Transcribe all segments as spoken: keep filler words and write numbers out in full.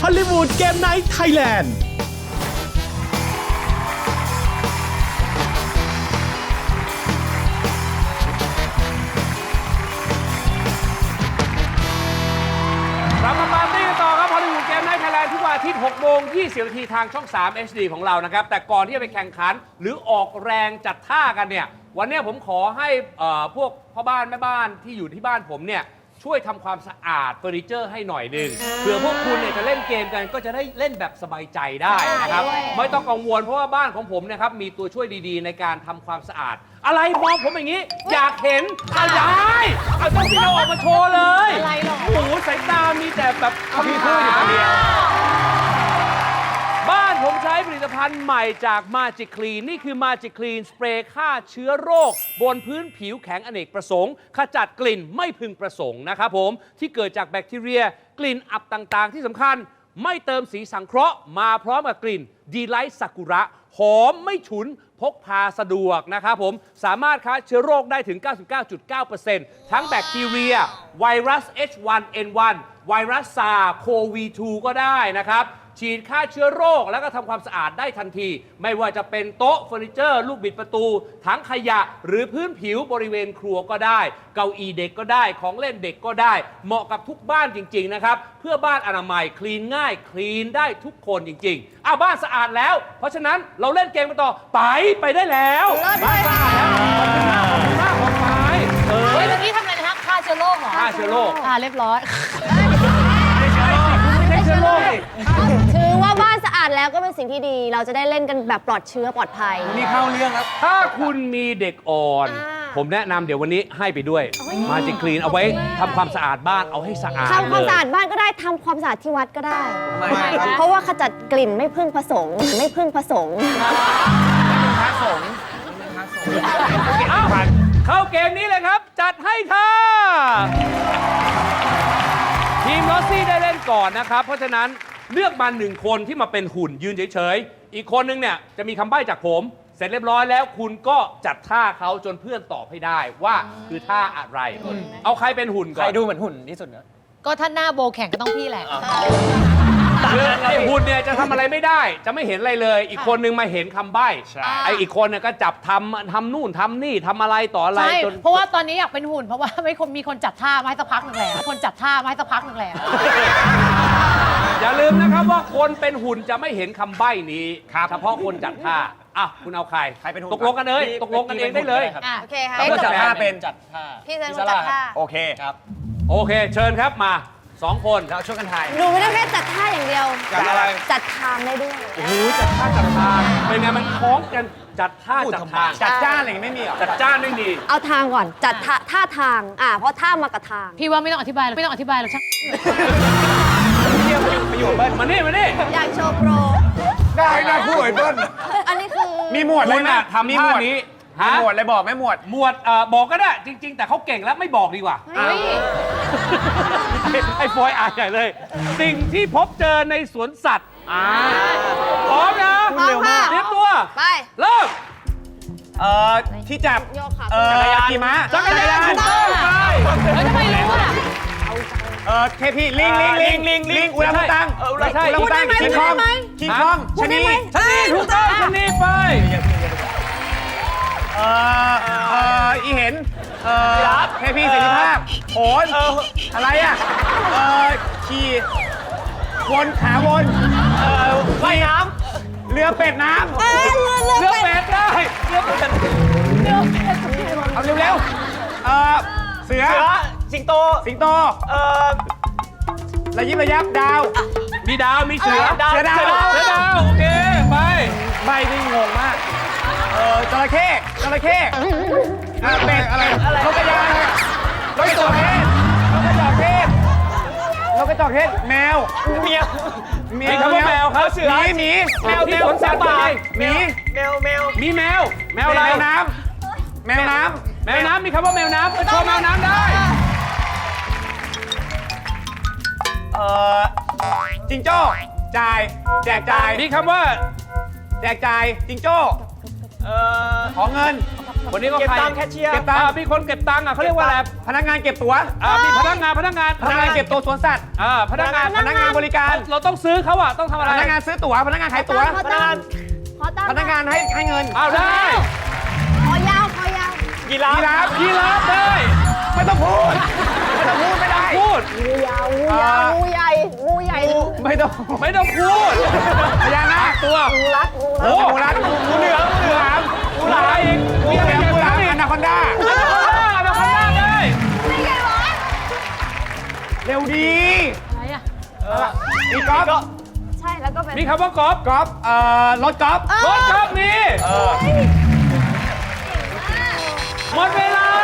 อลลีวูดเกมไนท์ไทยแลนด์กลับมาปาร์ตี้กันต่อครับฮอลลีวูดเกมไนท์ไทยแลนด์ทุกวันอาทิตย์หกโมงยี่สิบนาทีทางช่อง สาม เอช ดี ของเรานะครับ แต่ก่อนที่จะไปแข่งขันหรือออกแรงจัดท่ากันเนี่ย วันนี้ผมขอให้เอ่อพวกพ่อบ้านแม่บ้านที่อยู่ที่บ้านผมเนี่ย ช่วยทำความสะอาดเฟอร์นิเจอร์ให้หน่อยหนึ่งเผื่อพวกคุณเนี่ยจะเล่นเกมกันก็จะได้เล่นแบบสบายใจได้นะครับ ไม่ต้องกังวลเพราะว่าบ้านของผมนะครับมีตัวช่วยดีๆ ในการทำความสะอาด อะไรมองผมอย่างนี้ อยากเห็นอะไรเอาต้องพี่เราออกมาโชว์เลยอะไรหรอโอ้โหสายตามีแต่แบบพี่พูดอยู่คนเดียวบ้านผมใช้ผลิตภัณฑ์ใหม่จาก Magic Clean นี่คือ Magic Clean สเปรย์ฆ่าเชื้อโรค บนพื้นผิวแข็งอเนกประสงค์ขจัดกลิ่นไม่พึงประสงค์นะครับผมที่เกิดจากแบคทีเรียกลิ่นอับต่างๆ ที่สำคัญไม่เติมสีสังเคราะห์มาพร้อมกับกลิ่นดีไลท์ซากุระหอมไม่ฉุนพกพาสะดวกนะครับผมสามารถฆ่าเชื้อโรคได้ถึง เก้าสิบเก้าจุดเก้าเปอร์เซ็นต์ ทั้งแบคทีเรียไวรัส เอช วัน เอ็น วัน ไวรัสซาร์โควี ทู ก็ได้นะครับฉีดฆ่าเชื้อโรคแล้วก็ทำความสะอาดได้ทันทีไม่ว่าจะเป็นโต๊ะเฟอร์นิเจอร์ลูกบิดประตูถังขยะหรือพื้นผิวบริเวณครัวก็ได้เก้าอี้เด็กก็ได้ของเล่นเด็กก็ได้เหมาะกับทุกบ้านจริงๆนะครับเพื่อบ้านอนามัยคลีนง่ายคลีนได้ทุกคนจริงๆอ่ะบ้านสะอาดแล้วเพราะฉะนั้นเราเล่นเกมกันต่อไปไปได้แล้วบ้านสะอาดแล้วขอบคุณมากขอบคุณมากขอบคุณเออเฮ้ยเมื่อกี้ทำอะไรนะคะฆ่าเชื้อโรคเหรอฆ่าเชื้อโรคอ่าเรียบร้อยไม่ใช่เชื้อโรคถือว่าบ้านสะอาดแล้วก็เป็นสิ่งที่ดี เราจะได้เล่นกันแบบปลอดเชื้อปลอดภัยนี่เข้าเรื่องแล้วถ้าคุณมีเด็กอ่อนอ่าผมแนะนำเดี๋ยววันนี้ให้ไปด้วยมาจิคลีนเอาไว้ทำความสะอาดบ้านเอาให้สะอาดทำความเลยสะอาดบ้านก็ได้ทำความสะอาดที่วัดก็ได้ เพราะว่าขจัดกลิ่นไม่พึ่งผสมไม่พึ่งผสมเอ้าเข้าเกมนี้เลยครับ จัดให้ค่ะทีมลอสซี่ได้เล่นก่อนนะครับ เพราะฉะนั้นเลือกมาหนึ่งคนที่มาเป็นหุ่นยืนเฉยๆ อีกคนนึงเนี่ยจะมีคำใบ้จากผม เสร็จเรียบร้อยแล้วคุณก็จัดท่าเขาจนเพื่อนตอบให้ได้ว่าคือท่าอะไร เอาใครเป็นหุ่นก่ใคอรนดูเหมือนหุ่นที่สุดเนอะก็ถ้าหน้าโบแข่งก็ต้องพี่แหละคือไอ้หุ่นเนี่ยจะทำอะไรไม่ได้ จะไม่เห็นอะไรเลย อีกคนนึงมาเห็นคำใบ้ไอ้อีกคนเนี่ยก็จับทำทำนู่นทำนี่ทำอะไรต่ออะไรใช่จนเพราะว่าตอนนี้อยากเป็นหุ่นเพราะว่าไม่คนมีคนจัดท่ามาให้สักพักหนึ่งแล้วคนจัดท่ามาให้สักพักหนึ่งแล้วอย่าลืมนะครับว่าคนเป็นหุ่นจะไม่เห็นคำใบ้นี้เฉพาะคนจัดท่าอ่ะคุณเอาใครใครเป็นหุ่นตกลงกันเลยตกลงกันเองได้เลยอ่ะโอเคค่ะแล้วก็จัดท่าจัดเป็นจัดท่าพี่เซนจัดท่าโอเคครับโอเค เชิญครับมาสองคนแล้วช่วยกันทายหนูไม่ได้แค่จัดท่าอย่างเดียวจัดอะไรจัดทางได้ด้วยโอ้โหจัดท่าจัดทางเป็นไงมันคล้องกันจัดท่าจัดทางจัดจ้านอะไรอย่างงี้ไม่มีเหรอจัดจ้านไม่มีเอาทางก่อนจัดท่าท่าทางอ่าเพราะท่ามากับทางพี่ว่าไม่ต้องอธิบายหรอกไม่ต้องอธิบายหรอกช่างเที่ยวไปอยู่เบิ้ลมานี่มานี่อยากโชว์โปรได้นะคู่ไอ้เบิ้ลอันนี้คือมีหมวดเลคุยณนะอะทำท่านี้มีฮะหมวดเลยบอกไหมหมวดหมวดเอ่อบอกก็ได้จริง ๆ แต่เขาเก่งแล้วไม่บอกดีกว่าเฮ้ยไอ้ฟอยอ่านใหญ่เลย สิ่งที่พบเจอในสวนสัตว์อ่าพร้อมนะพร้อมค่ะเตรียมตัวไปเริ่มเอ่อ ที่จับโยกขาเอ่อจักรยานขี่ม้าจักรยานถูกต้องไปเฮ้ยทำไมรู้อ่ะเอ่อเทพีลิงลิงลิงลิงลิงอุลังอุตังไม่ใช่อุลังอุตังคิงคองคิงคองชะนีชนีถูกต้องชนีไปเอ่อเอ่ออีเห็นเอ่อเทพีเสรีภาพโหนอะไรอ่ะเอ่อขี่วนขาวนเอ่อว่ายน้ำเรือเป็ดน้ำเอ้ยเรือเรือเลือกเป็ดเป็ดได้เลือกเป็ดเอาเร็วๆเอ่อเสือสิงโตสิงโตเอ่อระยิบระยับดาวมีดาวมีเสือเสือดาวเสือดาวโอเคไปใบนี่งงมากเอ่อจระเข้จระเข้เอ่อเป็ดอะไรนกกระยางนกกระจอกเทศนกกระจอกเทศนกกระจอกเทศแมวเมียมีคำว่าแมวครับเสือหมีหมีแมวที่สวนสัตว์ป่าหมีแมวแมวมีแมว แมวอะไรแมวน้ำแมวน้แมวน้ำมีคำว่าแมวน้ำไปโชว์แมวน้ำได้ำเอ่อจิงโจ้จ่ายแจกจ่ายมีคำว่าแจกจ่ายจิงโจ้เอ่อขอเงินคนนี้ก็เก็บใครตังค์แคชเชียร์เก็บตังอ่าค์มีคนเก็บตังค์อ่ะเขาเรียกว่าอะไรพนักงานเก็บตั๋วอ่ามีพนักงานพนักงานพนักงานเก็บตัวสวนสัตว์อ่าพนักงานพนักงานบริการเราต้องซื้อเขาอ่ะต้องทำอะไรพนักงานซื้อตั๋วพนักงานขายตั๋วขอตั้งขอตั้งพนักงานให้ให้เงินอ้าวได้ขอยาวขอยาวกีฬายีราฟยีราฟได้ไม่ต้องพูดไม่ต้องพูดไม่ได้พูดงูยาวงูยาวงูใหญ่งูใหญ่ไม่ต้องไม่ต้องพูดพญานาคตัวงูรัดงูโอ้รัดงูรัดงูเหลือมงูเหลือมงูหลามอีกงูมีเหอะไรลือมเก็บงูหตัลาง มค์อีอก นาคอนด้าอนาคอนด้าอนาคอนด้าได้เร็วดีอะไรอ่ะมีกอล์ฟใช่แล้วก็เป็นมีคำว่ากอล์ฟกอล์ฟเอ่อรถกอล์ฟรถกอล์ฟมีหมดเวลา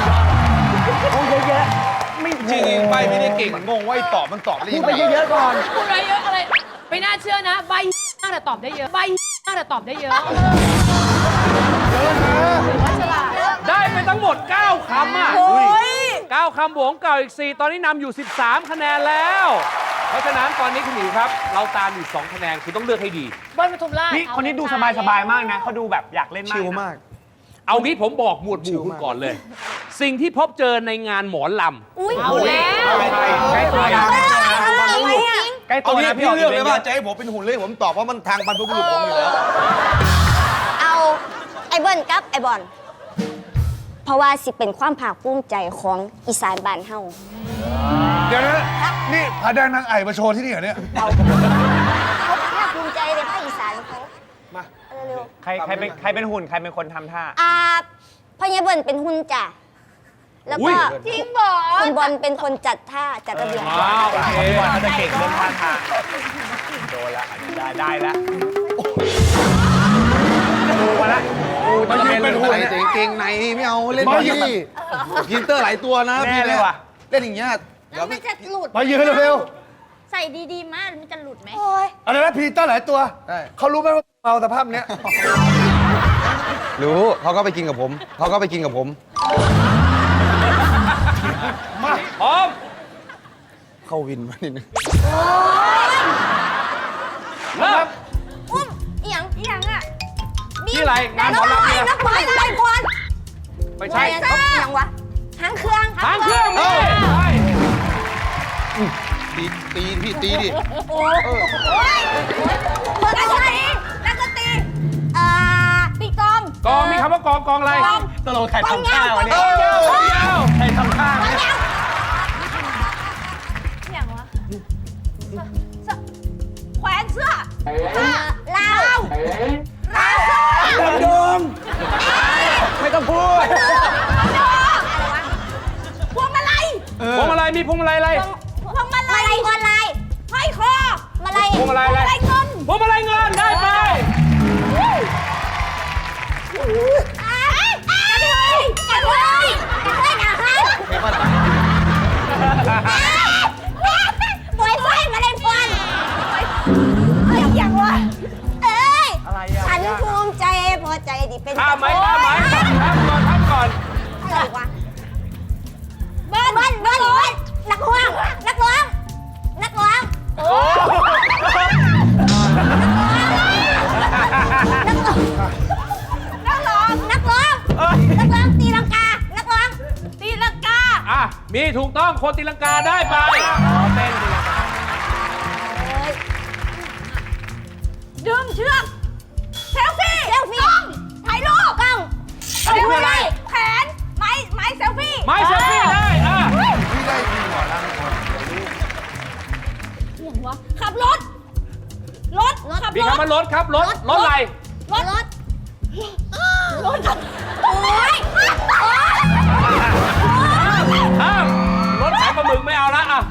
จริงๆใบไม่ได้เก่งงงว่าไอ้ตอบมันตอบได้ยังไงเยอะๆก่อนพูดอะไรเยอะอะไรไม่น่าเชื่อนะใบมากแต่ตอบได้เยอะใบมากแต่ตอบได้เยอะได้ไปทั้งหมด เก้า คำอ่ะเก้าคำบวกเก่าอีก สี่ ตอนนี้นำอยู่ สิบสาม คะแนนแล้ว เพราะฉะนั้นตอนนี้คุณหมิวครับ เราตามอยู่ สอง คะแนนคุณต้องเลือกให้ดีเบิ้ลปทุมราชนี่คนนี้ดูสบายๆมากนะเขาดูแบบอยากเล่นมากชิลนะมากเอางี้ผมบอกหมวดหมู่คุณก่อนเลย สิ่งที่พบเจอในงานหมอลำอุ้ยเอาแล้วใกล้ตัวนะอะไรอ่ะใกล้เอาตัวงี้นะพี่พี่เลือกเลยว่าจะจะให้ผมเป็นหุ่นเลยผมตอบว่ามันทางบรรพบุรุษผมอยู่แล้วเอาไอ้เบิ้ลกับไอ้บอลเพราะว่าสิเป็นความภาคภูมิใจของอีสานบ้านเฮาเดี๋ยวนะนี่พาแดงนางไอ่มาโชว์ที่นี่เหรอเนี่ยเขาภาคภูมิใจในภาคอีสานเขามาเอาเร็วใครใครเป็นใครเป็นหุ่นใครเป็นคนทำท่าๆอ่าพ่อเยเบิ้ลเป็นหุ่นจ้ะแล้วอุ๊ก็ยจริงบอกคุณบอลเป็นคนจัดท่าจัดระเบียบว้าวโอเคพี่บอลเขาจะเก่งเรื่องท่าทางโดนละอันนี้ได้ได้แล้วดูมาละดูมาจะยืนเป็เป็น นหุ่หุ่นนเนี่ยแต่เกงในไม่เอาเล่นมามายืยืนนพินเตอร์หลายตัวนะแน่พี่เลยว่ะเล่นอย่างเงี้ยเดี๋ยวมันจะหลุดมายืนเร็วใส่ดีๆมากมันจะหลุดไหมโอ้ยๆอะไรนะพีเตอร์หลายตัวเขารู้ไหมว่าเมาสภาพเนี้ยรู้เขาก็ไปกินกับผม เขาก็ไปกินกับผมพร้อมเข้าวินมานิดนึงเริ่มอุ้มอีหยังอีหยังอ่ะที่อะไรงานหมอลำเนี่ยนักบอลนักบอลไม่ใช่อีหยังวะหางเครื่องทางเครื่องนี่ใช่ตีตีพี่ตีดิโอ้ยนักดนตรีนักดนตรีอ่าปีกองกองมีคำว่ากองกองอะไรตลกใครทำท่าวะเนี่ยยาวยาวใครทำท่ากองเนี่ยยาวอีหยังวะเสื้อแขวนเสื้อลาวลาวเสื้อดงไม่ต้องพูดพวงมาลัยพวงมาลัยมีพวงมาลัยอะไรพวงมาลัยพวงมาลัยห้อยคอมาลัยพวงมาลัยอะไรเงินพวงมาลัยเงินได้ไปอ่ากระเทยกระเทยกระเทยอาหารปล่อยไฟมาเล่นบอลเอ้ยอย่างวะเอ้ยอะไรอ่ะฉันภูมิใจพอใจที่เป็นข้ามไหมข้ามไหมข้ามก่อนข้ามก่อนอะไรวะเบิ้ลเบิ้ลเบิ้ลเบิ้ลนักร้องนักร้องนักร้องโอ้นักร้องนักร้องนักร้องตีลังกานักร้องตีลังกาอ่ะมีถูกต้องคนตีลังกาได้ไปเต้นดีดึงเชือกเซลฟี่เซลฟี่กล้องถ่ายรูปกล้องอันนี้คืออะไรแขนไม้ไม้เซลฟี่ไม้เซลฟี่ได้อ่ะพี่ได้จริงเหรอนะขับรถรถขับมีรถคำว่ารถครับรถรถอะไรรถรถรถโอ้ยโอ้ยข้ามรถขายปลาหมึกไม่เอาละอ่ะ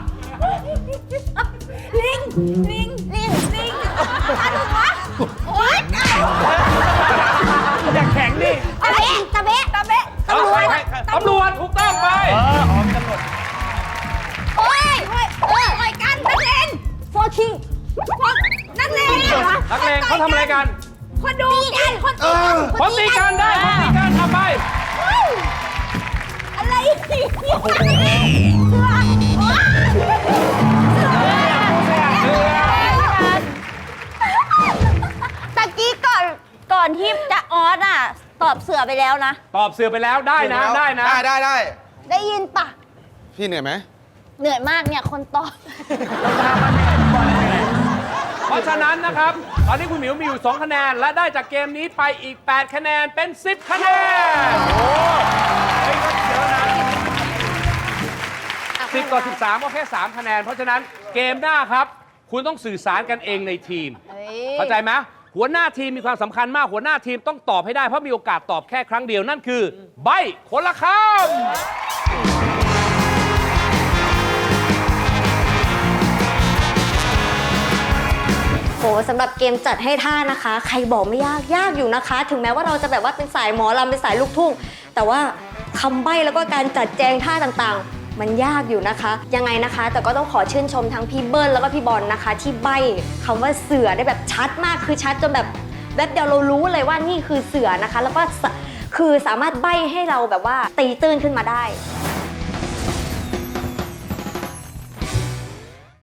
ลิงลิงลิงลิงอะถูกวะโอ้ยอย่าแข็งดิตะเบะตะเบะตะเบะเอาใครใครตำรวจถูกต้องไปเอออ๋อมีตำรวจโอ้ยโอ้ยโอ้ยต่อยกันนักเลงฟอร์คิงนักเลงนักเลงเขาทำอะไรกันคนดูกันคนเออคนตีกันได้คนตีกันเอาไปอะไรเนี่ยเสือโอ๊ยตะกี้ก่อนก่อนที่จะออสอ่ะตอบเสือไปแล้วนะตอบเสือไปแล้วได้นะได้นะได้ได้ได้ได้ยินปะพี่เหนื่อยไหมเหนื่อยมากเนี่ยคนตอบเพราะฉะนั้นนะครับ ตอนนี้คุณหมิวมีอยู่ สอง คะแนน และได้จากเกมนี้ไปอีก แปด คะแนนเป็น สิบ คะแนน โอ้เฮ้ยก็เยอะนะสิบต่อสิบสามก็แค่ สาม คะแนน เพราะฉะนั้นเกมหน้าครับ คุณต้องสื่อสารกันเองในทีม เข้าใจไหมหัวหน้าทีมมีความสำคัญมาก หัวหน้าทีมต้องตอบให้ได้ เพราะมีโอกาสตอบแค่ครั้งเดียวนั่นคือ ใบคนละคำโหสำหรับเกมจัดให้ท่านะคะ ใครบอกไม่ยากยากอยู่นะคะ ถึงแม้ว่าเราจะแบบว่าเป็นสายหมอลำเป็นสายลูกทุ่ง แต่ว่าคำใบ้แล้วก็การจัดแจงท่าต่างๆ มันยากอยู่นะคะ ยังไงนะคะ แต่ก็ต้องขอชื่นชมทั้งพี่เบิ้ลแล้วก็พี่บอลนะคะ ที่ใบ้คำว่าเสือได้แบบชัดมากคือชัดจนแบบแวบเดียวเรารู้เลยว่านี่คือเสือนะคะ แล้วก็สะคือสามารถใบ้ให้เราแบบว่าตีตื้นขึ้นมาได้